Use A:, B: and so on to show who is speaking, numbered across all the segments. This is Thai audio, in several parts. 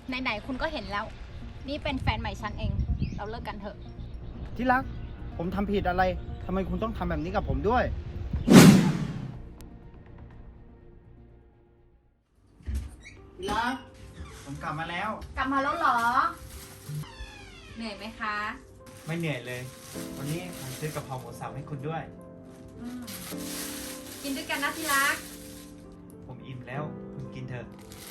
A: ไหนๆคุณก็เห็นแล้ว นี่เป็นแฟนใหม่ฉันเอง เราเลิกกันเถอะ
B: ที่รัก ผมทำผิดอะไรทำไมคุณต้องทำแบบนี้กับผมด้วย ที่รัก ผมกลับมาแล้ว
A: กลับมาแล้วเหรอ เหนื่อยไหมคะ
B: ไม่เหนื่อยเลย วันนี้ผมซื้อกะเพราหมูสับให้คุณด้วย
A: กินด้วยกันนะที่รัก
B: ผมอิ่มแล้ว คุณกินเถอะ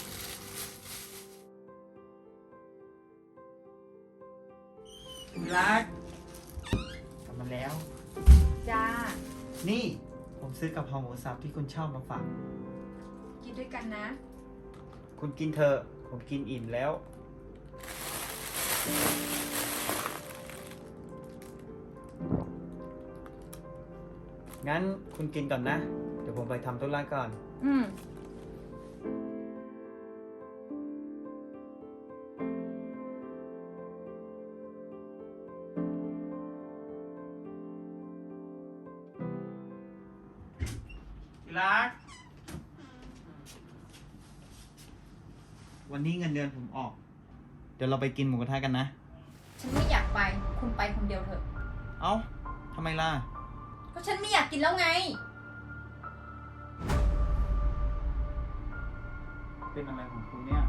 B: ที่รัก กลับมาแล้ว
A: จ้า
B: นี่ผมซื้อกะเพราหมูสับที่คุณชอบมาฝาก
A: กินด้วยกันนะ
B: คุณกินเถอะ ผมกินอิ่มแล้ว งั้นคุณกินก่อนนะ เดี๋ยวผมไปทำธุระก่อน
A: อืม
B: ที่รัก วันนี้เงินเดือนผมออก เดี๋ยวเราไปกินหมูกระทะกันนะ
A: ฉันไม่อยากไป คุณไปคนเดียวเถอะ
B: เอ้า ทำไมล่ะ
A: ก็ฉันไม่อยากกินแล้วไง
B: เป็นอะไรของคุณเนี่ย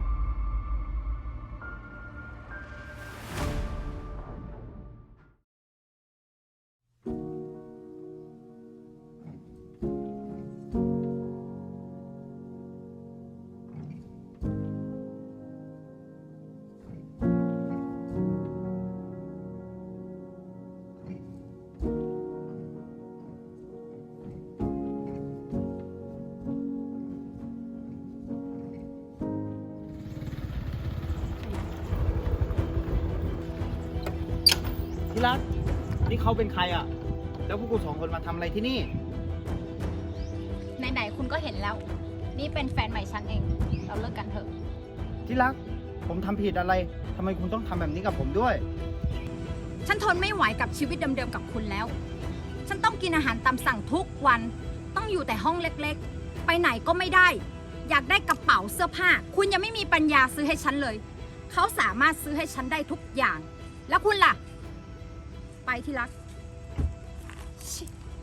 B: ที่รัก นี่เขาเป็นใครอ่ะ แล้วพวกกูสองคนมาทำอะไรที่นี่
A: ไหนๆคุณก็เห็นแล้ว นี่เป็นแฟนใหม่ฉันเอง เราเลิกกันเถอะ
B: ที่รัก ผมทำผิดอะไรทำไมคุณต้องทำแบบนี้กับผมด้วย
A: ฉันทนไม่ไหวกับชีวิตเดิมๆกับคุณแล้ว ฉันต้องกินอาหารตามสั่งทุกวัน ต้องอยู่แต่ห้องเล็กๆ ไปไหนก็ไม่ได้ อยากได้กระเป๋าเสื้อผ้า คุณยังไม่มีปัญญาซื้อให้ฉันเลย เขาสามารถซื้อให้ฉันได้ทุกอย่าง แล้วคุณล่ะ ไปที่รักชิ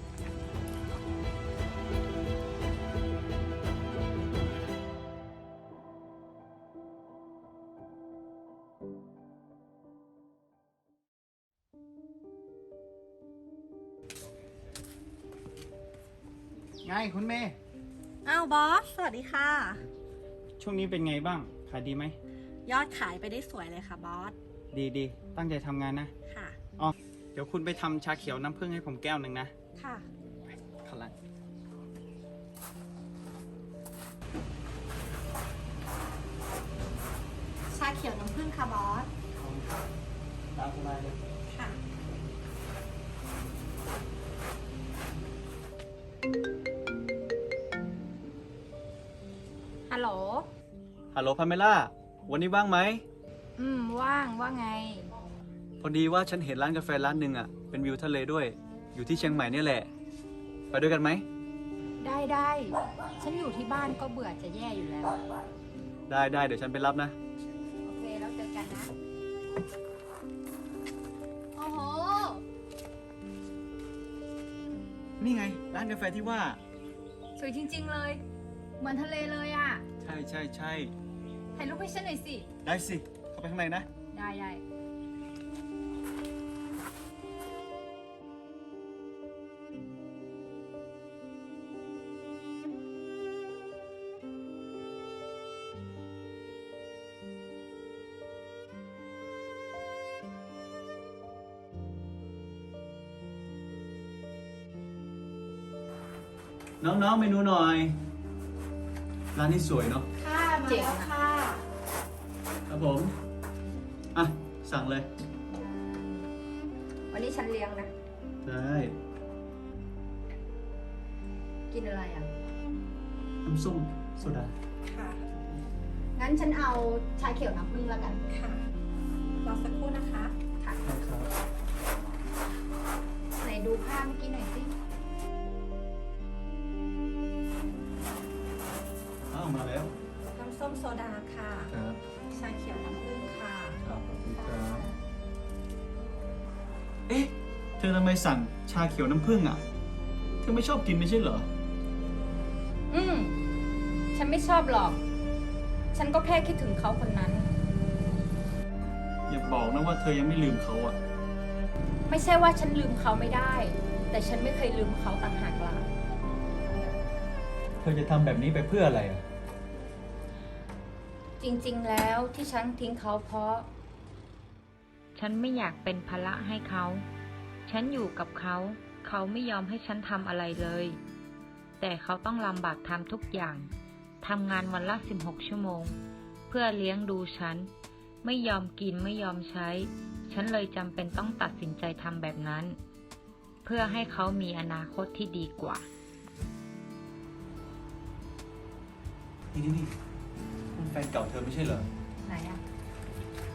B: ไงคุณเมย์
C: อ้าวบอส สวัสดีค่ะ
B: ช่วงนี้เป็นไงบ้าง ขายดีไหม
C: ยอดขายไปได้สวยเลยค่ะบอส
B: ดีตั้งใจทำงานนะ
C: ค่ะ
B: อ๋อ เดี๋ยวคุณไปทำชาเขียวน้ำผึ้งให้ผมแก้วหนึ่งนะ
C: ค่ะ
B: ขลัง
C: ชาเขียวน้ำผึ้งค่ะบอส
B: ตามสบายเลย
C: ค่ะ
A: ฮัลโหล
D: ฮัลโหลพาเมล่า วันนี้ว่างไหม
A: ว่างว่าไง
D: พอดีว่าฉันเห็นร้านกาแฟร้านหนึ่งอ่ะ เป็นวิวทะเลด้วย อยู่ที่เชียงใหม่เนี่ยแหละ ไปด้วยกันไหม
A: ได้ ฉันอยู่ที่บ้านก็เบื่อจะแย่อยู่แล้ว
D: ได้เดี๋ยวฉันไปรับนะ
A: โอเค แล้วเจอกันนะ โอ้โห
D: นี่ไง ร้านกาแฟที่ว่า
A: สวยจริงๆเลย เหมือนทะเลเลยอ่ะ
D: ใช่
A: ถ่ายรูปให้ฉันหน่อยสิ
D: ได้สิ เข้าไปข้างในนะ
A: ได้
D: น้องๆเมนูหน่อย ร้านนี้สวยเนาะ
C: ค่ะ มาแล้วค่ะ
D: ครับผม อ่ะ สั่งเลย
A: วันนี้ฉันเลี้ยงนะ
D: ได้
A: กินอะไรอ่ะ
D: น้ำส้มโซดา
C: ค่ะ
A: งั้นฉันเอาชาเขียวน้ำผึ้งแล้วกัน
C: ค่ะ รอสักครู่นะคะ
A: ค่ะ
D: ครับ
A: ไหนดูภาพเมื่อกี้หน่อยสิ
D: อ้าวมาแล้ว
A: น้ำ
C: ส้มโซดาค่ะ
D: ครับ
C: ชาเขียวน้ำผึ้งค่ะ
D: ครับขอบคุณครับ เอ๊ะ เธอทำไมสั่งชาเขียวน้ำผึ้งอ่ะ เธอไม่ชอบกินไม่ใช่เหรอ
A: ฉันไม่ชอบหรอก ฉันก็แค่คิดถึงเขาคนนั้น
D: อย่าบอกนะว่าเธอยังไม่ลืมเขาอ่ะ
A: ไม่ใช่ว่าฉันลืมเขาไม่ได้ แต่ฉันไม่เคยลืมเขาต่างหากล่ะ
D: เธอจะทำแบบนี้ไปเพื่ออะไรอ่ะ
A: จริงๆ แล้วที่ฉันทิ้งเขาเพราะ
E: ฉันไม่อยากเป็นภาระให้เขา ฉันอยู่กับเขา เขาไม่ยอมให้ฉันทำอะไรเลย แต่เขาต้องลำบากทำทุกอย่าง ทำงานวันละ16 ชั่วโมง เพื่อเลี้ยงดูฉัน ไม่ยอมกินไม่ยอมใช้ ฉันเลยจำเป็นต้องตัดสินใจทำแบบนั้น เพื่อให้เขามีอนาคตที่ดีกว่า
D: นี่มันแฟนเก่าเธอไม่ใช่เหรอ
A: ไหนอะ